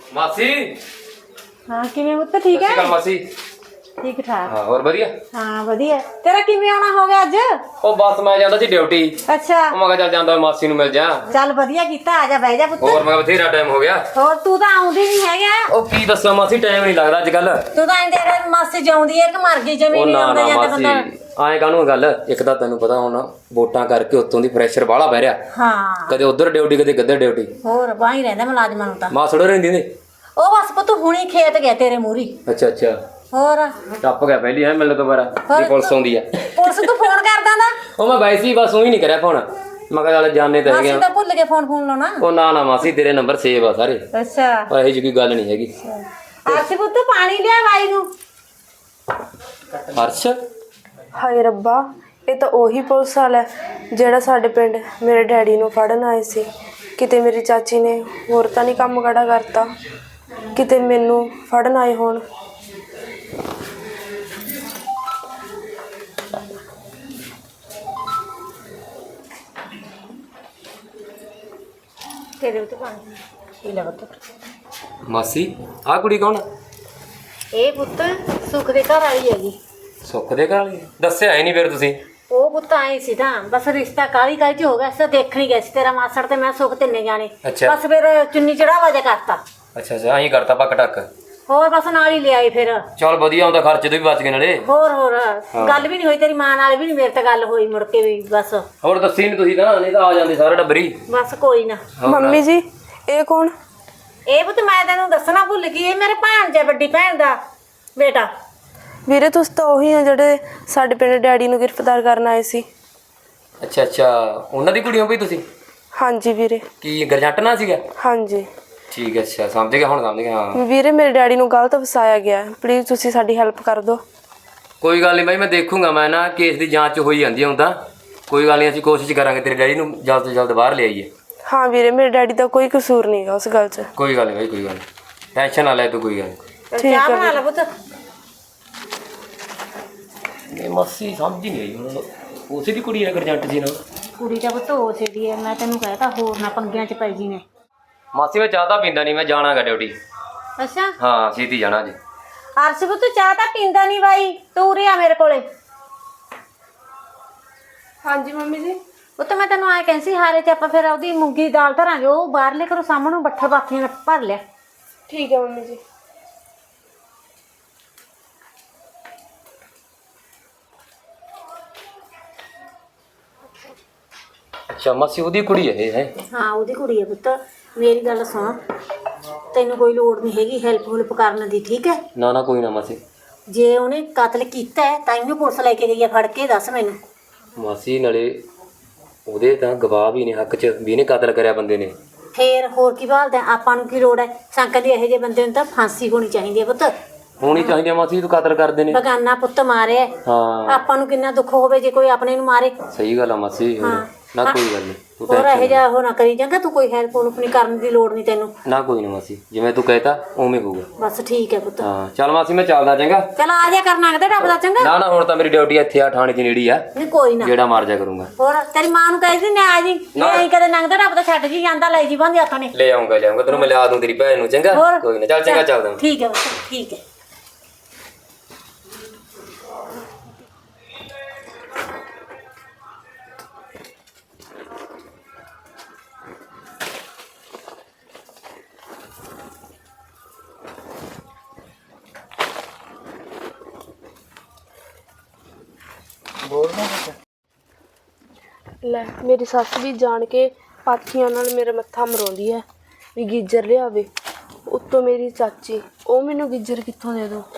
मासी हाँ किवें पुत्त ठीक है? मासी ठीक ठाक। हाँ और बढ़िया। हाँ वधिया। तेरा किवें आना हो गया अज? ओ बस मैं ਜਾਂਦਾ ਸੀ ਡਿਊਟੀ। अच्छा मैं कहा चल ਜਾਂਦਾ मासी ਨੂੰ ਮਿਲ ਜਾ। चल वधिया कीता आ जा बह जा पुत्त। ਹੋਰ ਮੈਂ ਬਥੇਰਾ ਟਾਈਮ ਹੋ ਗਿਆ। ਹੋਰ ਤੂੰ ਤਾਂ ਆਉਂਦੀ ਨਹੀਂ ਹੈਗਾ। ਉਹ ਕੀ ਦੱਸਾਂ ਮਾਸੀ ਟਾਈਮ ਨਹੀਂ ਲੱਗਦਾ ਅੱਜ ਕੱਲ। ਤੂੰ ਤਾਂ ਇੰਦੇ ਦੇ ਮਾਸੀ ਜਾਉਂਦੀ ਹੈ ਕਿ ਮਰ ਗਈ ਜਮੀਨ ਨਹੀਂ ਆਉਂਦਾ ਜਾਂਦਾ ਬੰਦਾ। ਆਏ ਕਾਹਨੂੰ ਗੱਲ ਇੱਕ ਤਾਂ ਤੈਨੂੰ ਪਤਾ ਹੁਣ ਵੋਟਾਂ ਕਰਕੇ ਉੱਤੋਂ ਦੀ ਪ੍ਰੈਸ਼ਰ ਬਾਹਲਾ ਪੈ ਰਿਹਾ। ਹਾਂ ਕਦੇ ਉਧਰ ਡਿਊਟੀ ਕਦੇ ਕਿੱਧਰ ਡਿਊਟੀ। ਹੋਰ ਬਾਹੀ ਰਹਿੰਦਾ ਮੁਲਾਜ਼ਮਾਂ ਨੂੰ ਤਾਂ। ਮਾਸੜੋ ਰਹਿੰਦੀ ਨੇ। ਉਹ ਬਸ ਪੁੱਤ ਹੁਣੀ ਖੇਤ ਗਿਆ ਤੇਰੇ ਮੂਹਰੀ। ਅੱਛਾ ਅੱਛਾ ਹੋਰ ਟੱਪ ਗਿਆ ਪਹਿਲੀ ਹੈ ਮਿਲਣ ਤੋਂ ਬਾਅਦ ਜੀ ਪੁਲਿਸ ਆਉਂਦੀ ਆ। ਪੁਲਿਸ ਤੂੰ ਫੋਨ ਕਰਦਾ ਨਾ? ਉਹ ਮੈਂ ਵੈਸੇ ਹੀ ਬਸ ਉਹੀ ਨਹੀਂ ਕਰਿਆ ਫੋਨ। ਮੈਂ ਕਿਹਾ ਚੱਲ ਜਾਣੇ ਤਾਂ ਹੈਗੇ ਮਾਸੀ ਤਾਂ ਭੁੱਲ ਕੇ ਫੋਨ ਲਾਉਣਾ। ਉਹ ਨਾ ਨਾ ਮਾਸੀ ਤੇਰੇ ਨੰਬਰ ਸੇਵ ਆ ਸਾਰੇ। ਅੱਛਾ ਉਹ ਇਹੋ ਜਿਹੀ ਕੋਈ ਗੱਲ ਨਹੀਂ ਹੈਗੀ। ਆਰਸੀ ਪੁੱਤ ਪਾਣੀ ਲਿਆ ਬਾਈ ਨੂੰ। ਹਰਸ਼ ਹਾਏ ਰੱਬਾ, ਇਹ ਤਾਂ ਉਹੀ ਪੁਲਿਸ ਵਾਲਾ ਜਿਹੜਾ ਸਾਡੇ ਪਿੰਡ ਮੇਰੇ ਡੈਡੀ ਨੂੰ ਫੜਨ ਆਏ ਸੀ। ਕਿਤੇ ਮੇਰੀ ਚਾਚੀ ਨੇ ਹੋਰ ਤਾਂ ਨਹੀਂ ਕੰਮ ਖੜਾ ਕਰਤਾ, ਕਿਤੇ ਮੈਨੂੰ ਫੜਨ ਆਏ ਹੋਣ। ਤੇਰੇ ਉੱਤੇ ਪਾਣੀ ਪੀ ਲੈ ਪੁੱਤ। ਮਾਸੀ ਆਹ ਕੁੜੀ ਕੌਣ? ਇਹ ਪੁੱਤ ਸੁੱਖ ਦੇ ਘਰ ਵਾਲੀ ਹੈਗੀ। ਸੁੱਖ ਦੇ ਘਰ ਵਾਲੀ? ਦੱਸਿਆ ਹੀ ਨਹੀਂ ਫਿਰ ਤੁਸੀਂ। ਉਹ ਪੁੱਤ ਆਏ ਸੀ ਤਾਂ ਬਸ ਰਿਸ਼ਤਾ ਕਾਲੀ ਚ ਹੋ ਗਿਆ ਸੀ। ਦੇਖਣ ਹੀ ਗਏ ਸੀ ਤੇਰਾ ਮਾਸੜ ਤੇ ਮੈਂ ਸੁੱਖ ਤਿੰਨੇ ਜਾਣੇ। ਅੱਛਾ। ਬਸ ਫਿਰ ਚੁੰਨੀ ਚੜਾਵਾ ਜਿਹਾ ਕਰਤਾ। ਅੱਛਾ ਅੱਛਾ ਐਂ ਕਰਤਾ ਪੱਕ ਟੱਕ। ਹੋਰ ਬਸ ਨਾਲ ਹੀ ਲਿਆਈ ਫਿਰ। ਚਲ ਵਧੀਆ ਹੁੰਦਾ ਖਰਚੇ ਤੋਂ ਵੀ ਬਚ ਗਏ ਨਾਲੇ। ਹੋਰ ਗੱਲ ਵੀ ਨਹੀਂ ਹੋਈ ਤੇਰੀ ਮਾਂ ਨਾਲ ਵੀ ਨਹੀਂ, ਮੇਰੇ ਤੇ ਗੱਲ ਹੋਈ ਮੁੜ ਕੇ ਵੀ ਬਸ। ਹੋਰ ਦੱਸੀ ਨਹੀਂ ਤੁਸੀਂ ਤਾਂ, ਨਹੀਂ ਤਾਂ ਆ ਜਾਂਦੇ ਸਾਰੇ ਡੱਬਰੀ। ਬਸ ਕੋਈ ਨਾ। ਮੰਮੀ ਜੀ ਇਹ ਕੌਣ? ਇਹ ਪੁੱਤ ਮੈਂ ਤੈਨੂੰ ਦੱਸਣਾ ਭੁੱਲ ਗਈ, ਇਹ ਮੇਰੇ ਭਾਣਜਾ ਵੱਡੀ ਭੈਣ ਦਾ ਬੇਟਾ। ਵੀਰੇ ਤੁਸੀਂ ਤਾਂ ਉਹੀ ਆ ਜਿਹੜੇ ਸਾਡੇ ਪਿੰਡ ਡੈਡੀ ਨੂੰ ਗ੍ਰਿਫਤਾਰ ਕਰਨ ਆਏ ਸੀ। ਅੱਛਾ ਅੱਛਾ ਉਹਨਾਂ ਦੀ ਕੁੜੀ ਹੋ ਬਈ ਤੁਸੀਂ? ਹਾਂਜੀ ਵੀਰੇ। ਕੀ ਗਰਜੰਟ ਨਾ ਸੀਗਾ? ਹਾਂਜੀ ਠੀਕ ਹੈ ਅੱਛਾ ਸਮਝ ਗਿਆ ਹੁਣ ਸਮਝ ਗਿਆ। ਹਾਂ ਵੀਰੇ ਮੇਰੇ ਡੈਡੀ ਨੂੰ ਗਲਤ ਫਸਾਇਆ ਗਿਆ, ਪਲੀਜ਼ ਤੁਸੀਂ ਸਾਡੀ ਹੈਲਪ ਕਰ ਦਿਓ। ਕੋਈ ਗੱਲ ਨਹੀਂ ਬਾਈ ਮੈਂ ਦੇਖੂੰਗਾ। ਮੈਂ ਨਾ ਕੇਸ ਦੀ ਜਾਂਚ ਹੋਈ ਜਾਂਦੀ ਹੁਣ ਤਾਂ। ਕੋਈ ਗੱਲ ਨਹੀਂ ਅਸੀਂ ਕੋਸ਼ਿਸ਼ ਕਰਾਂਗੇ ਤੇਰੇ ਡੈਡੀ ਨੂੰ ਜਲਦ ਤੋਂ ਜਲਦ ਬਾਹਰ ਲਿਆਈਏ। ਹਾਂ ਵੀਰੇ ਮੇਰੇ ਡੈਡੀ ਦਾ ਕੋਈ ਕਸੂਰ ਨਹੀਂ ਗਾ ਉਸ ਗੱਲ 'ਚ। ਕੋਈ ਗੱਲ ਨਹੀਂ ਬਾਈ ਕੋਈ ਗੱਲ ਨਹੀਂ, ਟੈਨਸ਼ਨ ਨਾ ਲੈ ਤੂੰ ਕੋਈ ਗੱਲ ਨਹੀਂ। ਠੀਕ ਚਾਹ ਹੈ ਬਣਾ ਲੈ ਪੁੱਤ। ਇਹ ਮਾਸੀ ਸਮਝ ਹੀ ਨਹੀਂ ਆਈ ਹੁਣ ਉਸੇ ਦੀ ਕੁੜੀ ਹੈ ਗਰਜੰਟ ਜੀ ਨਾਲ। ਕੁੜੀ ਤਾਂ ਪੁੱਤ ਹੋ ਛੇੜੀ ਹੈ, ਮੈਂ ਤੈਨੂੰ ਕਹਿਤਾ ਹੋਰ ਨਾ ਪੰਗਿਆਂ 'ਚ ਪੈ ਜੀ ਨੇ। ਮਾਸੀ ਮੈਂ ਚਾਹ ਤਾਂ ਪੀਂਦਾ ਨਹੀਂ, ਮੈਂ ਜਾਣਾਗਾ ਡਿਊਟੀ। ਅੱਛਾ ਹਾਂ ਛੇਤੀ ਜਾਣਾ ਜੀ। ਅਰਸ਼ ਪੁੱਤ ਚਾਹ ਤਾਂ ਪੀਂਦਾ ਨਹੀਂ ਬਾਈ, ਤੂੰ ਉਰੇ ਆ ਮੇਰੇ ਕੋਲੇ। ਹਾਂਜੀ ਮੰਮੀ ਜੀ। ਉਹ ਤਾਂ ਮੈਂ ਤੈਨੂੰ ਆਏ ਕਹਿੰਦੀ ਸੀ ਹਾਰੇ 'ਚ ਆਪਾਂ ਫਿਰ ਉਹਦੀ ਮੂੰਗੀ ਦੀ ਦਾਲ ਧਰਾਂਗੇ। ਉਹ ਬਾਹਰਲੇ ਘਰੋਂ ਸਾਹਮਣੇ ਬੱਠਾ ਬਾਥੀਆਂ ਭਰ ਲਿਆ। ਠੀਕ ਹੈ ਮੰਮੀ ਜੀ। ਅੱਛਾ ਮਾਸੀ ਉਹਦੀ ਕੁੜੀ ਹੈ ਇਹ? ਹੈ ਹਾਂ ਉਹਦੀ ਕੁੜੀ ਹੈ ਪੁੱਤ। ਮੇਰੀ ਗੱਲ ਸੁਣ, ਤੈਨੂੰ ਕੋਈ ਲੋੜ ਨਹੀਂ ਹੈਗੀ ਹੈਲਪ ਹੁਲਪ ਕਰਨ ਦੀ, ਠੀਕ ਹੈ? ਨਾ ਨਾ ਕੋਈ ਨਾ ਮਾਸੀ। ਜੇ ਉਹਨੇ ਕਤਲ ਕੀਤਾ ਹੈ ਤਾਂ ਇਹਨੂੰ ਪੁਲਿਸ ਲੈ ਕੇ ਗਈ ਹੈ ਫੜ ਕੇ, ਦੱਸ ਮੈਨੂੰ। ਮਾਸੀ ਨਾਲੇ ਉਹਦੇ ਤਾਂ ਗਵਾਹ ਵੀ ਨੇ ਹੱਕ 'ਚ ਵੀ ਇਹਨੇ ਕਤਲ ਕਰਿਆ ਬੰਦੇ ਨੇ। ਫੇਰ ਹੋਰ ਕੀ ਭਾਲਦਾ ਆਪਾਂ ਨੂੰ? ਕੀ ਲੋੜ ਹੈ ਸੰਕਟ ਦੀ? ਇਹੋ ਜਿਹੇ ਬੰਦੇ ਨੂੰ ਤਾਂ ਫਾਂਸੀ ਹੋਣੀ ਚਾਹੀਦੀ ਹੈ ਪੁੱਤ। ਹੋਣੀ ਚਾਹੀਦੀ ਆ ਮਾਸੀ, ਤੂੰ ਕਤਲ ਕਰਦੇ ਨੇ। ਬਗਾਨਾ ਪੁੱਤ ਮਾਰਿਆ, ਹਾਂ ਆਪਾਂ ਨੂੰ ਕਿੰਨਾ ਦੁੱਖ ਹੋਵੇ ਜੇ ਕੋਈ ਆਪਣੇ ਨੂੰ ਮਾਰੇ। ਸਹੀ ਗੱਲ ਆ ਮਾਸੀ। ਹਾਂ। ਨਾ ਕੋਈ ਗੱਲ ਨਹੀਂ ਤੂੰ ਹੋਰ ਇਹੋ ਟੈਨਸ਼ਨ ਜਿਹਾ ਉਹ ਨਾ ਕਰੀ ਚੰਗਾ। ਤੂੰ ਕੋਈ ਹੈਲਪ ਹੁਲਪ ਨਹੀਂ ਕਰਨ ਦੀ ਲੋੜ ਨਹੀਂ ਤੈਨੂੰ। ਨਾ ਕੋਈ ਨਾ ਮਾਸੀ, ਜਿਵੇਂ ਤੂੰ ਕਹਿਤਾ ਉਵੇਂ ਹੋਊਗਾ। ਬਸ ਠੀਕ ਹੈ ਪੁੱਤ। ਹਾਂ ਚੱਲ ਮਾਸੀ ਮੈਂ ਚੱਲਦਾ ਚੰਗਾ। ਚਲ ਆ ਜਾ ਕਰਨਾ ਕਿਤੇ ਡੱਬਦਾ ਚੰਗਾ। ਨਾ ਨਾ ਹੁਣ ਤਾਂ ਮੇਰੀ ਡਿਊਟੀ ਇੱਥੇ ਆ ਥਾਣੇ 'ਚ ਨੇੜੀ ਆ। ਨਹੀਂ ਕੋਈ ਨਾ, ਜਿਹੜਾ ਮਾਰ ਜਾ ਕਰੂੰਗਾ। ਹੋਰ ਤੇਰੀ ਮਾਂ ਨੂੰ ਕਹਿ ਦੀ ਨਾ ਆ ਜੀ। ਨਹੀਂ ਕਦੇ ਨੰਗਦਾ ਡੱਬਦਾ ਛੱਡ ਜੀ ਜਾਂਦਾ, ਲੈ ਜੀ ਬੰਦੇ ਹੱਥਾਂ ਨੇ। ਲੈ ਆਉਂਗਾ ਲਿਆਉਂਗਾ ਤੈਨੂੰ, ਮੈਂ ਲਿਆ ਦੂੰ ਤੇਰੀ ਭੈਣ ਨੂੰ ਚੰਗਾ। ਹੋਰ ਕੋਈ ਨਾ ਚੱਲ ਚੰਗਾ ਚੱਲਦਾ। ਠੀਕ ਹੈ ਪੁੱਤ ਠੀਕ ਹੈ। ਲੈ ਮੇਰੀ ਸੱਸ ਵੀ ਜਾਣ ਕੇ ਪਾਥੀਆਂ ਨਾਲ ਮੇਰਾ ਮੱਥਾ ਮਰਾਉਂਦੀ ਹੈ ਵੀ ਗੀਜਰ ਲਿਆਵੇ। ਉੱਤੋਂ ਮੇਰੀ ਚਾਚੀ, ਉਹ ਮੈਨੂੰ ਗੀਜਰ ਕਿੱਥੋਂ ਦੇ ਦੋ।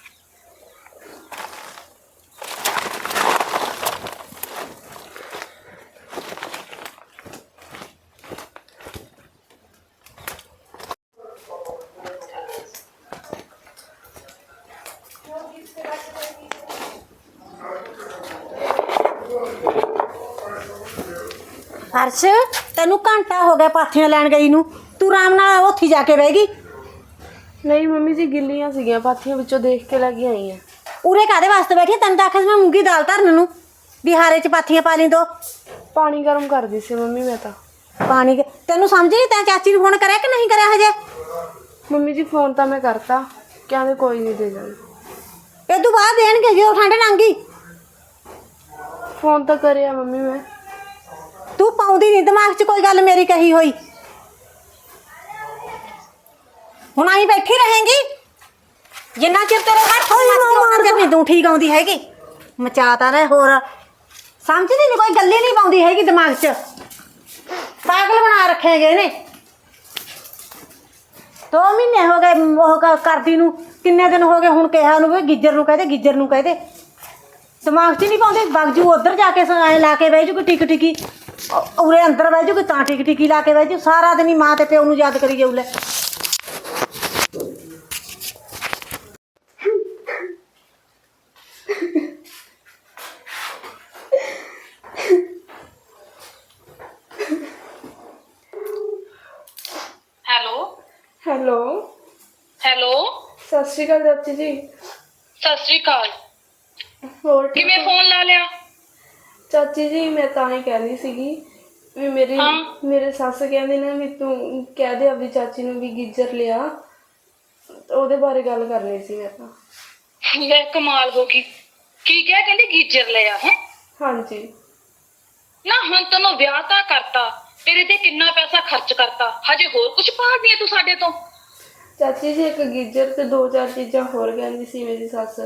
ਹਰਸ਼ ਤੈਨੂੰ ਘੰਟਾ ਹੋ ਗਿਆ ਪਾਥੀਆਂ ਲੈਣ ਗਈ ਨੂੰ, ਤੂੰ ਆਰਾਮ ਨਾਲ ਉੱਥੇ ਜਾ ਕੇ ਬਹਿ ਗਈ। ਨਹੀਂ ਮੰਮੀ ਜੀ ਗਿੱਲੀਆਂ ਸੀਗੀਆਂ ਪਾਥੀਆਂ, ਵਿੱਚੋਂ ਦੇਖ ਕੇ ਲੈ ਕੇ ਆਈ ਆ। ਉਰੇ ਕਾਹਦੇ ਵਾਸਤੇ ਬੈਠੀ? ਤੈਨੂੰ ਤਾਂ ਆਖਿਆ ਸੀ ਮੈਂ ਮੂੰਗੀ ਦਾਲ ਧਰਨ ਨੂੰ, ਬਿਹਾਰੇ 'ਚ ਪਾਥੀਆਂ ਪਾ ਲਈ ਦੋ। ਪਾਣੀ ਗਰਮ ਕਰਦੀ ਸੀ ਮੰਮੀ ਮੈਂ ਤਾਂ। ਪਾਣੀ ਤੈਨੂੰ ਸਮਝ ਨਹੀਂ? ਤੈਂ ਚਾਚੀ ਨੂੰ ਫੋਨ ਕਰਿਆ ਕਿ ਨਹੀਂ ਕਰਿਆ ਹਜੇ? ਮੰਮੀ ਜੀ ਫੋਨ ਤਾਂ ਮੈਂ ਕਰਤਾ, ਕਹਿੰਦੇ ਕੋਈ ਨਹੀਂ ਦੇ ਜਾਣਾ। ਇਹ ਤੋਂ ਬਾਅਦ ਦੇਣਗੇ ਜਦੋਂ ਠੰਡ ਲੰਘੀ। ਫੋਨ ਤਾਂ ਕਰਿਆ ਮੰਮੀ ਮੈਂ। ਤੂੰ ਪਾਉਂਦੀ ਨਹੀਂ ਦਿਮਾਗ 'ਚ ਕੋਈ ਗੱਲ ਮੇਰੀ ਕਹੀ ਹੋਈ। ਹੁਣ ਆਈ ਬੈਠੀ ਰਹੇਂਗੀ ਜਿੰਨਾ ਚਿਰ ਤੇਰੇ ਹੱਥ ਮੱਚਦੇ ਨਹੀਂ ਤੂੰ ਠੀਕ ਆਉਂਦੀ ਹੈਗੀ। ਮਚਾਤਾ ਰਹੇ ਹੋਰ ਸਮਝਦੀ ਨਹੀਂ, ਕੋਈ ਗੱਲ ਹੀ ਨਹੀਂ ਪਾਉਂਦੀ ਹੈਗੀ ਦਿਮਾਗ 'ਚ। ਪਾਗਲ ਬਣਾ ਰੱਖੇ ਗਏ ਨੇ। 2 ਮਹੀਨੇ ਹੋ ਗਏ ਉਹ ਕਰਦੀ ਨੂੰ, ਕਿੰਨੇ ਦਿਨ ਹੋ ਗਏ ਹੁਣ ਕਿਹਾ ਉਹਨੂੰ ਵੀ ਗਿੱਜਰ ਨੂੰ ਕਹਦੇ, ਗਿੱਜਰ ਨੂੰ ਕਹਦੇ। ਦਿਮਾਗ 'ਚ ਨਹੀਂ ਪਾਉਂਦੇ। ਬਗਜੂ ਉੱਧਰ ਜਾ ਕੇ ਐਂ ਲਾ ਕੇ ਬਹਿ ਜੂ ਕੋਈ ਟਿਕ ਟਿਕੀ, ਉਰੇ ਅੰਦਰ ਬਹਿ ਜੂ ਕੋਈ ਤਾਂ ਟਿਕ ਟਿਕੀ ਲਾ ਕੇ ਬਹਿ ਜੂ। ਸਾਰਾ ਦਿਨ ਹੀ ਮਾਂ ਤੇ ਪਿਓ ਨੂੰ ਯਾਦ ਕਰੀ ਜਾਊ। ਲੈ ਹੈਲੋ ਹੈਲੋ ਸਤਿ ਸ਼੍ਰੀ ਅਕਾਲ ਚਾਚੀ ਜੀ। ਸਤਿ ਸ੍ਰੀ ਅਕਾਲ। ਹੋਰ ਠੀਕ ਕਿਵੇਂ ਹੋ? ਫੋਨ ਲਾ ਲਿਆ? ਚਾਚੀ ਜੀ ਮੈਂ ਤਾਂ ਹੀ ਕਹਿੰਦੀ ਸੀਗੀ ਵੀ ਮੇਰੇ ਸੱਸ ਕਹਿੰਦੇ ਨੇ ਵੀ ਤੂੰ ਕਹਿ ਦੇ ਆਪਣੀ ਚਾਚੀ ਨੂੰ ਵੀ ਗੀਜ਼ਰ ਲਿਆ, ਉਹਦੇ ਬਾਰੇ ਗੱਲ ਕਰਨੀ ਸੀ ਮੈਂ ਤਾਂ। ਲੈ ਕਮਾਲ ਹੋ ਗਈ। ਕੀ ਕਿਹਾ? ਕਹਿੰਦੀ ਗੀਜਰ ਲਿਆ ਹੈ? ਹਾਂਜੀ। ਨਾ ਹੁਣ ਤੈਨੂੰ ਵਿਆਹ ਤਾਂ ਕਰਤਾ, ਤੇਰੇ ਤੇ ਕਿੰਨਾ ਪੈਸਾ ਖਰਚ ਕਰਤਾ, ਹਜੇ ਹੋਰ ਕੁਝ ਭਾਲਦੀ ਹੈ ਤੂੰ ਸਾਡੇ ਤੋਂ? ਚਾਚੀ ਜੀ ਇੱਕ ਗੀਜ਼ਰ ਤੇ 2-4 ਚੀਜ਼ਾਂ ਹੋਰ ਕਹਿੰਦੀ ਸੀ ਮੇਰੀ ਸੱਸ।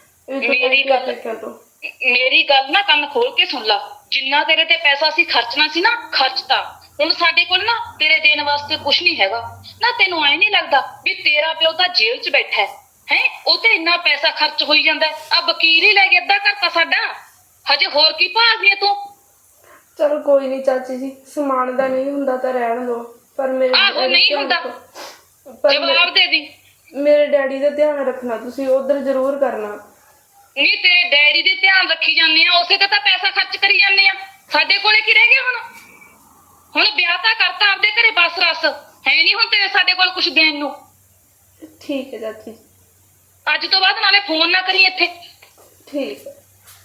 ਮੇਰੀ ਗੱਲ ਨਾ ਕੰਨ ਖੋਲ ਕੇ ਸੁਣ ਲਾ। ਜਿੰਨਾ ਤੇਰੇ ਤੇ ਪੈਸਾ ਸੀ ਖਰਚਣਾ ਸੀ ਨਾ, ਖਰਚਤਾ। ਹੁਣ ਸਾਡੇ ਕੋਲ ਨਾ ਤੇਰੇ ਦੇਣ ਵਾਸਤੇ ਕੁਝ ਨਹੀਂ ਹੈਗਾ। ਨਾ ਤੈਨੂੰ ਐ ਨਹੀਂ ਲੱਗਦਾ ਵੀ ਤੇਰਾ ਪਿਓ ਤਾਂ ਜੇਲ੍ਹ 'ਚ ਬੈਠਾ ਹੈ? ਉਹ ਤੇ ਇੰਨਾ ਪੈਸਾ ਖਰਚ ਹੋਈ ਜਾਂਦਾ। ਆ ਵਕੀਲ ਹੀ ਲੈ ਕੇ ਅੱਧਾ ਕਰਤਾ ਸਾਡਾ, ਹਜੇ ਹੋਰ ਕੀ ਭਾਲਦੀ ਹੈ ਤੂੰ? ਚਲੋ ਕੋਈ ਨਹੀਂ ਚਾਚੀ ਜੀ, ਸਮਾਨ ਦਾ ਨਹੀਂ ਹੁੰਦਾ ਤਾਂ ਰਹਿਣ ਦੋ। ਪਰ ਮੇਰੇ ਆਹੋ ਨਹੀਂ ਹੁੰਦਾ, ਜਵਾਬ ਦੇ ਦੀ। ਮੇਰੇ ਡੈਡੀ ਦਾ ਧਿਆਨ ਰੱਖਣਾ ਤੁਸੀਂ, ਉਧਰ ਜ਼ਰੂਰ ਕਰਨਾ। ਨਹੀਂ ਤੇਰੇ ਡੈਡੀ ਦੇ ਧਿਆਨ ਰੱਖੀ ਜਾਂਦੇ ਆ, ਉਸੇ ਤੇ ਤਾਂ ਪੈਸਾ ਖਰਚ ਕਰੀ ਜਾਂਦੇ ਆ। ਸਾਡੇ ਕੋਲੇ ਕੀ ਰਹਿ ਗਿਆ ਹੁਣ? ਹੁਣ ਵਿਆਹ ਤਾਂ ਕਰਤਾ ਆਪਦੇ ਘਰੇ, ਬਸ ਰਸ ਹੈ ਨਹੀਂ ਹੁਣ ਤੇਰੇ ਸਾਡੇ ਕੋਲ ਕੁਝ ਦੇਣ ਨੂੰ। ਠੀਕ ਹੈ ਚਾਚੀ। ਅੱਜ ਤੋਂ ਬਾਅਦ ਨਾਲੇ ਫੋਨ ਨਾ ਕਰੀ ਇੱਥੇ। ਠੀਕ ਹੈ।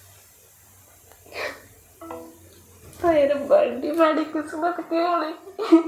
ਹਾਏ ਰੱਬਾ, ਏਡੀ ਮਾੜੀ ਕਿਸਮਤ ਕਿਉਂ ਲਈ?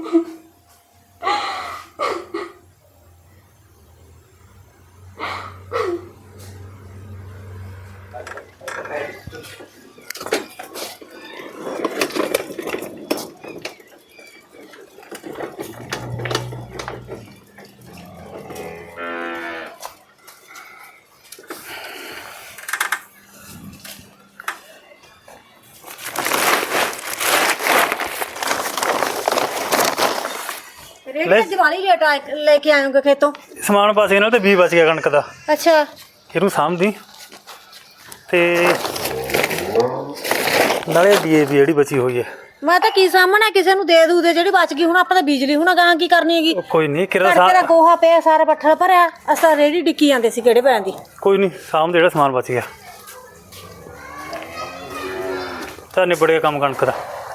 ਦਿਵਾਲੀ ਲੇਟ ਲੈ ਕੇ ਆਉਂਗੇ ਖੇਤੋਂ ਸਮਾਨ ਬਚ ਗਿਆ ਨਾਲ ਤੇ 20 ਬਚ ਗਿਆ ਕਣਕ ਦਾ। ਅੱਛਾ ਇਹਨੂੰ ਸਾਂਭਦੀ ਤੇ ਨਾਲੇ ਡੀਏਪੀ ਜਿਹੜੀ ਬਚੀ ਹੋਈ ਹੈ। ਮੈਂ ਤਾਂ ਕੀ ਸਾਹਮਣਾ ਕਿਸੇ ਨੂੰ ਦੇ ਦੂ ਦੇ ਜਿਹੜੀ ਬਚ ਗਈ। ਹੁਣ ਆਪਾਂ ਤਾਂ ਬਿਜਲੀ ਹੁਣ ਗਾਂ ਕੀ ਕਰਨੀ ਹੈਗੀ? ਉਹ ਕੋਈ ਨਹੀਂ ਤੇਰਾ ਗੋਹਾ ਪਿਆ ਸਾਰਾ ਪੱਠਾ ਭਰਿਆ, ਅਸਾਂ ਰੇੜੀ ਡਿੱਕੀ ਜਾਂਦੇ ਸੀ ਕਿਹੜੇ ਪੈਣ ਦੀ। ਕੋਈ ਨਹੀਂ ਸਾਂਭ ਜਿਹੜਾ ਸਮਾਨ ਬਚ ਗਿਆ ਤਾਂ ਨਿਬੜ ਗਿਆ ਕੰਮ ਕਣਕ ਦਾ।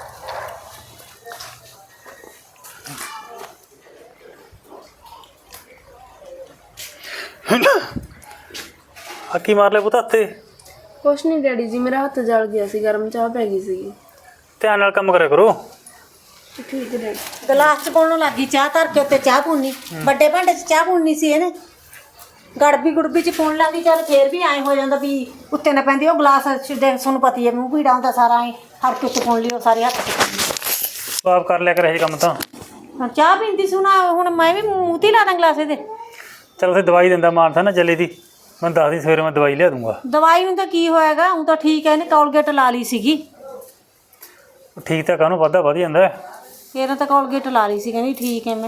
ਹੱਕੀ ਮਾਰ ਲੈ ਪੁੱਤ ਹੱਥੇ। ਕੁਛ ਨਹੀਂ ਡੈਡੀ ਜੀ, ਮੇਰਾ ਹੱਥ ਜਲ ਗਿਆ ਸੀ, ਗਰਮ ਚਾਹ ਪੈ ਗਈ ਸੀਗੀ। ਧਿਆਨ ਨਾਲ ਕੰਮ ਕਰਿਆ ਕਰੋ। ਠੀਕ ਹੈ ਡੈਡੀ। ਗਲਾਸ ਚ ਪਾਉਣ ਲੱਗੀ ਚਾਹ ਧਰ ਕੇ, ਉੱਤੇ ਚਾਹ ਪੂਣੀ, ਵੱਡੇ ਭਾਂਡੇ ਚ ਚਾਹ ਪੂਣੀ ਸੀ ਇਹਨੇ। ਗੜਬੀ ਚ ਪਾਉਣ ਲੱਗੀ, ਚੱਲ ਫੇਰ ਵੀ ਐਂ ਹੋ ਜਾਂਦਾ ਵੀ ਉੱਤੇ ਨਾ ਪੈਂਦੀ। ਉਹ ਗਲਾਸ ਦੇ ਤੁਹਾਨੂੰ ਪਤੀ ਹੈ ਮੂੰਹ ਪੀੜਾ ਹੁੰਦਾ ਸਾਰਾ, ਐਂ ਹਰ ਕੁਛ ਪਾਉਣ ਲਈ ਉਹ ਸਾਰੇ ਹੱਥ ਚ। ਆਪ ਕਰ ਲਿਆ ਕਰ ਇਹ ਕੰਮ ਤਾਂ। ਹੁਣ ਚਾਹ ਪੀਂਦੀ ਸੀ ਹੁਣ ਮੈਂ ਵੀ ਮੂੰਹ ਤੇ ਲਾ ਦਾਂ ਗਲਾਸ ਇਹਦੇ। ਚਲ ਉੱਥੇ ਦਵਾਈ ਦਿੰਦਾ ਮਾਨਸਾ ਨਾ ਜੱਲੇ ਦੀ, ਮੈਂ ਦੱਸ ਦੀ ਸਵੇਰੇ ਮੈਂ ਦਵਾਈ ਲਿਆ ਦੂੰਗਾ। ਦਵਾਈ ਨੂੰ ਤਾਂ ਕੀ ਹੋਏਗਾ, ਹੁਣ ਤਾਂ ਠੀਕ ਹੈ। ਇਹਨੇ ਕੋਲਗੇਟ ਲਾ ਲਈ ਸੀਗੀ। ਠੀਕ ਤਾਂ ਕਾਹਨੂੰ ਵੱਧਦਾ ਵਧ ਜਾਂਦਾ। ਇਹਨੇ ਤਾਂ ਕੋਲਗੇਟ ਲਾ ਲਈ ਸੀ, ਕਹਿੰਦੀ ਠੀਕ ਹੈ ਮੈਂ।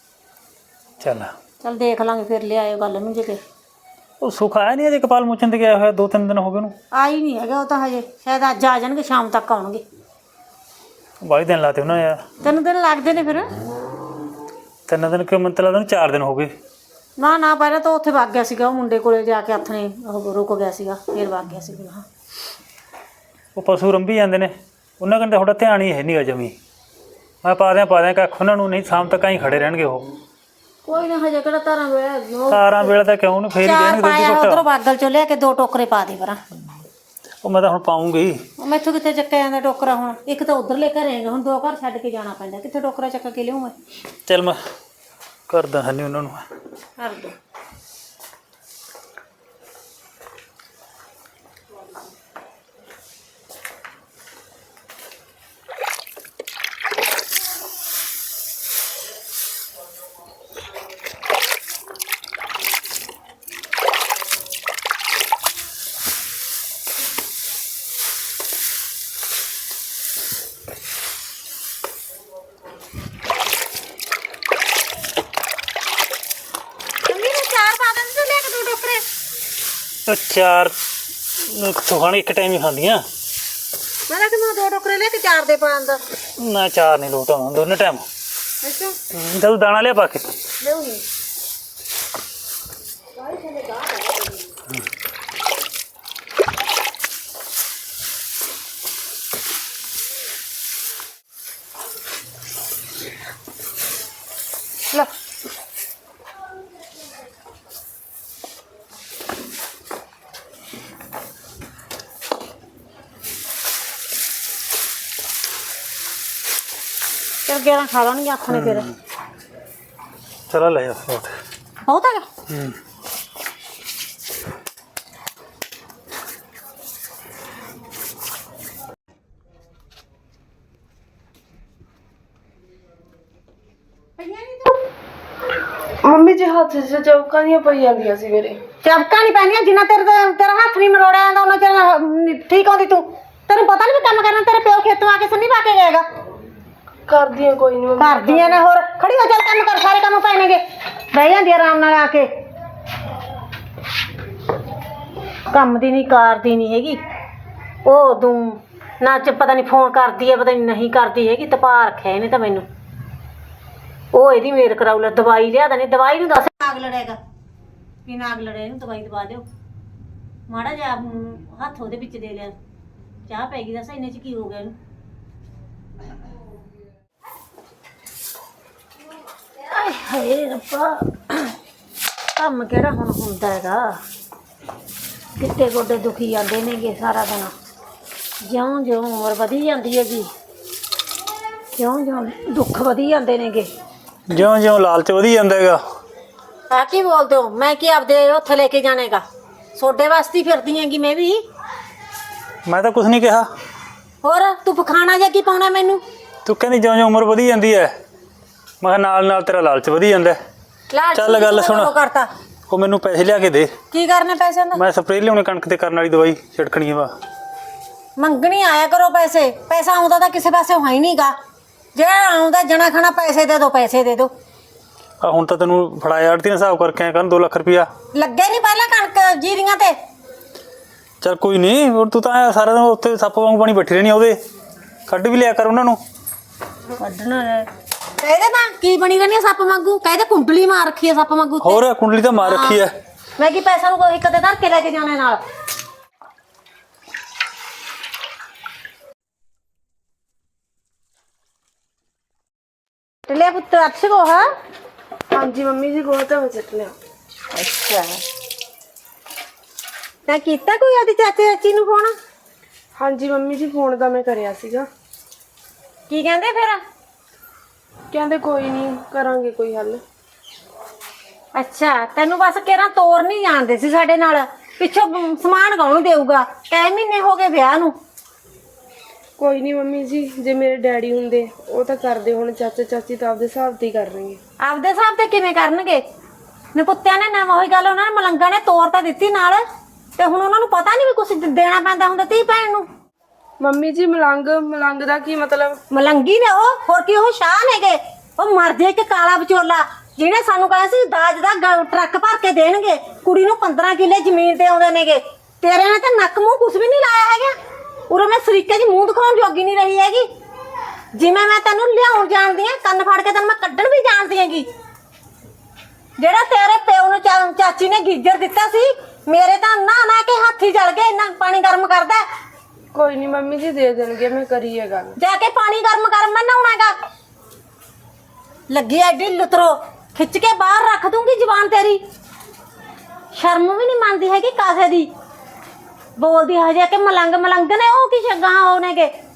ਚੱਲ ਦੇਖ ਲਾਂਗੇ ਫਿਰ ਲਿਆਇਓ ਗੱਲ ਨੂੰ ਜੇ। ਉਹ ਸੁੱਖ ਆਇਆ ਨਹੀਂ ਅਜੇ, ਕਪਾਲ ਮੁੱਚਣ ਤੇ ਗਿਆ ਹੋਇਆ 2-3 ਦਿਨ ਹੋ ਗਏ ਉਹਨੂੰ। ਆਈ ਨਹੀਂ ਹੈਗਾ ਉਹ ਤਾਂ ਹਜੇ, ਸ਼ਾਇਦ ਅੱਜ ਆ ਜਾਣਗੇ, ਸ਼ਾਮ ਤੱਕ ਆਉਣਗੇ। ਬਾਈ ਦਿਨ ਲਾਤੇ ਉਹਨਾਂ ਨੇ ਯਾਰ। 3 ਦਿਨ ਲੱਗਦੇ ਨੇ ਫਿਰ। 3 ਦਿਨ ਕਿਉਂ? ਮੈਨੂੰ ਤਾਂ ਲੱਗਦਾ 4 ਦਿਨ ਹੋ ਗਏ। ਨਾ ਪਹਿਲਾਂ ਤਾਂ ਉੱਥੇ ਵਗ ਗਿਆ ਸੀਗਾ, ਉਹ ਮੁੰਡੇ ਕੋਲੇ ਜਾ ਕੇ ਹੱਥ ਨੇ ਉਹ ਰੁਕ ਗਿਆ ਸੀਗਾ, ਫਿਰ ਵਗ ਗਿਆ ਸੀਗਾ। ਉਹ ਪਸ਼ੂ ਰੰਭੀ ਜਾਂਦੇ ਨੇ, ਉਹਨਾਂ ਕੰਨ ਤਾਂ ਤੁਹਾਡਾ ਧਿਆਨ ਹੀ ਹੈ ਨਹੀਂਗਾ ਜਮੀ। ਮੈਂ ਪਾ ਦਿਆਂ ਕੱਖ ਉਹਨਾਂ ਨੂੰ, ਨਹੀਂ ਸ਼ਾਮ ਤੱਕ ਹੀ ਖੜੇ ਰਹਿਣਗੇ ਉਹ। ਕੋਈ ਨਾ ਹਜੇ ਕਿਹੜਾ ਤਾਰਾਂ ਵੇਲੇ ਤਾਰਾਂ ਵੇਲੇ ਤਾਂ ਕਿਉਂ ਨੂੰ ਫੇਰ ਹੀ ਦੇਣਗੇ ਦੁੱਧ ਉਧਰੋਂ ਬਾਦਲ ਚੋਂ ਲਿਆ ਕੇ 2 ਟੋਕਰੇ ਪਾ ਦੇ ਪਰਾਂ। ਉਹ ਮੈਂ ਤਾਂ ਹੁਣ ਪਾਉਂਗੀ। ਮੈਥੋਂ ਕਿੱਥੇ ਚੱਕਿਆ ਜਾਂਦਾ ਟੋਕਰਾ? ਹੁਣ ਇੱਕ ਤਾਂ ਉਧਰਲੇ ਘਰੇ ਹੈਗਾ, ਹੁਣ 2 ਘਰ ਛੱਡ ਕੇ ਜਾਣਾ ਪੈਂਦਾ, ਕਿੱਥੇ ਟੋਕਰਾ ਚੱਕ ਕੇ ਲਿਆਉਂ ਮੈਂ? ਚੱਲ ਮੈਂ ਕਰਦਾ ਹੈ ਨਹੀਂ ਉਹਨਾਂ ਨੂੰ। ਕਰ ਦੋ। ਉਹ ਚਾਰ ਖਾਣੇ ਇੱਕ ਟਾਈਮ ਹੀ ਖਾਂਦੀਆਂ। ਮੈਂ ਕਿ ਮੈਂ 2 ਟੋਕਰੇ ਲੈ ਕੇ 4 ਦੇ ਪਾਣ ਦਾ। ਨਾ ਚਾਰ ਨਹੀਂ ਲੋਟ ਆਉਂਦਾ ਦੋਨੇ ਟਾਈਮ। ਅੱਛਾ ਜਦ ਦਾਣਾ ਲਿਆ ਪਾ ਕੇ ਲਿਆਉਣੀ। ਲੈ ਚਲ 11 ਖਾ ਲਾਂਗੇ ਆਖਣੇ ਫਿਰ। ਚਲਾ ਲੈ ਜਾ ਬਹੁਤ। ਬਹੁਤ ਹੈਗਾ। ਮੰਮੀ ਜੀ ਹੱਥ 'ਚ ਚੌਕਾਂ ਦੀਆਂ ਪਈ ਜਾਂਦੀਆਂ ਸੀ ਮੇਰੇ। ਚਮਕਾਂ ਨਹੀਂ ਪੈਣੀਆਂ ਜਿੰਨਾ ਤੇਰਾ ਹੱਥ ਨਹੀਂ ਮਰੋੜਿਆ ਜਾਂਦਾ ਉਹਨਾਂ ਚਿਰ ਠੀਕ ਆਉਂਦੀ ਤੂੰ। ਤੈਨੂੰ ਪਤਾ ਨਹੀਂ ਕੰਮ ਕਰਨਾ। ਤੇਰੇ ਪਿਓ ਖੇਤੋਂ ਆ ਕੇ ਸੰਨੀ ਪਾ ਕੇ ਗਏਗਾ। ਕਰਦੀਆਂ ਕੋਈ ਨਹੀਂ ਮੰਮੀ। ਕਰਦੀਆਂ ਨੇ ਹੋਰ ਖੜੀ ਹੋ ਚੱਲ ਕੰਮ ਕਰ। ਸਾਰੇ ਕੰਮ ਪੈਣਗੇ। ਬਹਿ ਜਾਂਦੀ ਆਰਾਮ ਨਾਲ ਆ ਕੇ। ਕੰਮ ਦੀ ਨਹੀਂ ਕਰਦੀ ਨਹੀਂ ਹੈਗੀ ਉਹ ਤੂੰ ਨਾ ਚ ਪਤਾ ਨਹੀਂ ਫੋਨ ਕਰਦੀ ਹੈ ਪਤਾ ਨਹੀਂ ਕਰਦੀ ਹੈਗੀ। ਤਪਾ ਰੱਖਿਆ ਇਹਨੇ ਤਾਂ ਮੈਨੂੰ। ਉਹ ਇਹਦੀ ਮੇਰ ਕਰਾਉ ਲੈ ਦਵਾਈ ਲਿਆ ਦਣੀ। ਦਵਾਈ ਨੂੰ ਦੱਸ ਨਾਗ ਲੜੇਗਾ ਵੀ ਨਾਗ ਲੜੇ ਇਹਨੂੰ ਦਵਾਈ ਦਵਾ ਦਿਓ। ਮਾੜਾ ਜਿਹਾ ਹੱਥ ਉਹਦੇ ਵਿੱਚ ਦੇ ਲਿਆ। ਚਾਹ ਪੈ ਗਈ ਦੱਸ ਇੰਨੇ ਚ ਕੀ ਹੋ ਗਿਆ ਇਹਨੂੰ। ਆਏ ਹਾਏ ਰੱਬਾ ਕੰਮ ਕਿਹੜਾ ਹੁਣ ਹੁੰਦਾ ਹੈਗਾ। ਕਿੱਤੇ ਗੋਡੇ ਦੁਖੀ ਜਾਂਦੇ ਨੇਗੇ ਸਾਰਾ ਦਿਨ। ਜਿਉਂ ਉਮਰ ਵਧੀ ਜਾਂਦੀ ਹੈਗੀ ਜਿਉਂ ਦੁੱਖ ਵਧੀ ਜਾਂਦੇ ਨੇਗੇ। ਜਿਉਂ ਲਾਲਚ ਵਧੀ ਜਾਂਦਾ ਹੈਗਾ। ਆ ਕੀ ਬੋਲਦੇ ਹੋ? ਮੈਂ ਕੀ ਆਪਦੇ ਉੱਥੇ ਲੈ ਕੇ ਜਾਣੇਗਾ? ਸੋਡੇ ਵਾਸਤੇ ਹੀ ਫਿਰਦੀ ਹੈਗੀ ਮੈਂ ਵੀ। ਮੈਂ ਤਾਂ ਕੁਝ ਨਹੀਂ ਕਿਹਾ। ਹੋਰ ਤੂੰ ਪਖਾਣਾ ਜਾਂ ਕੀ ਪਾਉਣਾ ਮੈਨੂੰ? ਤੂੰ ਕਹਿੰਦੀ ਜਿਉਂ ਉਮਰ ਵਧੀ ਜਾਂਦੀ ਹੈ। ਮੈਂ ਕਿਹਾ ਨਾਲ ਨਾਲ ਤੇਰਾ ਲਾਲਚ ਵਧੀ ਜਾਂਦਾ। ਚੱਲ ਗੱਲ ਸੁਣ। ਕਰਤਾ ਉਹ ਮੈਨੂੰ ਪੈਸੇ ਲਿਆ ਕੇ ਦੇ। ਕੀ ਕਰਨੇ ਪੈਸਿਆਂ ਦਾ? ਮੈਂ ਸਪਰੇਅ ਲਿਆਉਣੀ ਕਣਕ ਤੇ ਕਰਨ ਵਾਲੀ ਦਵਾਈ ਛਿੜਕਣੀ ਆ। ਵਾ ਮੰਗਣੀ ਆਇਆ ਕਰੋ ਪੈਸੇ। ਪੈਸਾ ਆਉਂਦਾ ਤਾਂ ਕਿਸੇ ਪਾਸੇ ਹੈ ਹੀ ਨਹੀਂਗਾ। ਜਿਹੜਾ ਆਉਂਦਾ ਜਣਾ ਖਣਾ ਪੈਸੇ ਦੇ ਦੋ ਪੈਸੇ ਦੇ ਦੋ। ਆ ਹੁਣ ਤਾਂ ਤੈਨੂੰ ਫੜਾਇਆ ਆੜਤੀ ਨੇ ਹਿਸਾਬ ਕਰਕੇ ਆਇਆ ਕਰਨ 2 ਲੱਖ ਰੁਪਇਆ ਲੱਗੇ ਨਹੀਂ ਪਹਿਲਾਂ ਕਣਕ ਜੀਰੀਆਂ ਤੇ। ਚੱਲ ਕੋਈ ਨਹੀਂ। ਹੁਣ ਤੂੰ ਤਾਂ ਸਾਰਾ ਦਿਨ ਉੱਥੇ ਸੱਪ ਵਾਂਗ ਪਾਣੀ ਬੈਠੀ ਰਹਿਣੀ। ਉਹਦੇ ਕੱਢ ਵੀ ਲਿਆ ਕਰ ਉਹਨਾਂ ਨੂੰ। ਕੱਢਣਾ ਕਹਿੰਦੇ ਤਾਂ ਕੀ ਬਣੀ ਰਹਿੰਦੀ ਸੱਪ ਵਾਂਗੂ। ਕਹਿੰਦੇ ਕੁੰਡਲੀ ਮਾਰ ਰੱਖੀ ਹੈ ਸੱਪ ਵਾਂਗੂ। ਹੋਰ ਕੁੰਡਲੀ ਤਾਂ ਮਾਰ ਰੱਖੀ ਹੈ। ਮੈਂ ਕੀ ਪੈਸਾ ਨੂੰ ਕੋਈ ਕਦੇ ਧਰ ਕੇ ਲੈ ਕੇ ਜਾਣੇ ਨਾਲ। ਟਲਿਆ ਪੁੱਤ ਅੱਛ ਕੋ ਹਾਂ। ਹਾਂਜੀ ਮੰਮੀ ਜੀ ਗੋਹਾ ਤਾਂ ਮੈਂ ਚੱਟ ਲਿਆ। ਅੱਛਾ ਤਾਂ ਕੀਤਾ ਕੋਈ ਆਦੀ ਚਾਚੇ ਚਾਚੀ ਨੂੰ ਫੋਨ? ਹਾਂਜੀ ਮੰਮੀ ਜੀ ਫੋਨ ਤਾਂ ਮੈਂ ਕਰਿਆ ਸੀਗਾ। ਕੀ ਕਹਿੰਦੇ ਫਿਰ? ਕਹਿੰਦੇ ਕੋਈ ਨਹੀਂ ਕਰਾਂਗੇ ਕੋਈ ਹੱਲ। ਅੱਛਾ ਤੈਨੂੰ ਬਸ ਕਿਹੜਾ ਤੋਰ ਨਹੀਂ ਜਾਣਦੇ ਸੀ ਸਾਡੇ ਨਾਲ। ਪਿੱਛੋਂ ਸਮਾਨ ਕੌਣ ਦੇਊਗਾ? ਕਈ ਮਹੀਨੇ ਹੋ ਗਏ ਵਿਆਹ ਨੂੰ। ਕੋਈ ਨਹੀਂ ਮੰਮੀ ਜੀ ਜੇ ਮੇਰੇ ਡੈਡੀ ਹੁੰਦੇ ਉਹ ਤਾਂ ਕਰਦੇ। ਹੁਣ ਚਾਚਾ ਚਾਚੀ ਤਾਂ ਆਪਦੇ ਹਿਸਾਬ ਤੇ ਹੀ ਕਰ ਰਹੇ। ਆਪਦੇ ਹਿਸਾਬ ਤੇ ਕਿਵੇਂ ਕਰਨਗੇ? ਨਪੁੱਤਿਆਂ ਨੇ ਨਾ ਉਹੀ ਗੱਲ ਉਹਨਾਂ ਨੇ ਮਲੰਗਾ ਨੇ ਤੋਰ ਤਾਂ ਦਿੱਤੀ ਨਾਲ। ਤੇ ਹੁਣ ਉਹਨਾਂ ਨੂੰ ਪਤਾ ਨਹੀਂ ਵੀ ਕੁਛ ਦੇਣਾ ਪੈਂਦਾ ਹੁੰਦਾ ਧੀ ਭੈਣ ਨੂੰ। ਮੰਮੀ ਜੀ ਮਲੰਗ ਦਾ ਕੀ ਮਤਲਬ? ਮਲੰਗੀ ਨੇ ਉਹ ਹੋਰ ਕੀ ਉਹ ਸ਼ਾਹ ਨੇਗੇ। ਉਹ ਮਰ ਜੇ ਕਿ ਕਾਲਾ ਵਿਚੋਲਾ ਜਿਹਨੇ ਸਾਨੂੰ ਕਹਿਆ ਸੀ ਦਾਜ ਦਾ ਟਰੱਕ ਭਰ ਕੇ ਦੇਣਗੇ। ਕੁੜੀ ਨੂੰ 15 ਕਿੱਲੇ ਜ਼ਮੀਨ ਤੇ ਆਉਂਦੇ ਨੇਗੇ। ਤੇਰੇ ਨੇ ਤਾਂ ਨੱਕ ਮੂੰਹ ਕੁਛ ਵੀ ਨਹੀਂ ਲਾਇਆ ਹੈਗਾ। ਉਰੇ ਮੈਂ ਸਰੀਕੇ ਦੀ ਮੂੰਹ ਦਿਖਾਉਣ ਜੋਗੀ ਨਹੀਂ ਰਹੀ ਹੈਗੀ। ਜਿਵੇਂ ਮੈਂ ਤੈਨੂੰ ਲਿਆਉਣ ਜਾਣਦੀ ਆ ਕੰਨ ਫੜ ਕੇ ਤੈਨੂੰ ਮੈਂ ਕੱਢਣ ਵੀ ਜਾਣਦੀ ਹੈਗੀ। ਜਿਹੜਾ ਤੇਰੇ ਪਿਓ ਨੂੰ ਚਾਚੀ ਨੇ ਗੀਜਰ ਦਿੱਤਾ ਸੀ ਮੇਰੇ ਤਾਂ ਨਾ ਕੇ ਹੱਥ ਹੀ ਜਲ ਗਏ। ਇੰਨਾ ਪਾਣੀ ਗਰਮ ਕਰਦਾ। ਕੋਈ ਨਹੀਂ ਮੰਮੀ ਜੀ ਦੇ ਦੇਣਗੇ। ਮੈਂ ਕਰੀ ਹੈ ਗੱਲ। ਜਾ ਕੇ ਪਾਣੀ ਗਰਮ ਮੈਂ ਨਹਾਉਣਾਗਾ। ਲੱਗੀ ਐਡੀ ਲੁਤਰੋ ਖਿੱਚ ਕੇ ਬਾਹਰ ਰੱਖ ਦੂੰਗੀ ਜ਼ਬਾਨ ਤੇਰੀ। ਸ਼ਰਮ ਵੀ ਨਹੀਂ ਮੰਨਦੀ ਹੈਗੀ ਕਾਸੇ ਦੀ। ਬੋਲਦੀ ਹਜੇ ਕਿ ਮਲੰਗ ਨੇ ਉਹ ਕੀ ਸ਼ਗਾਂ ਹੋਣਗੇ।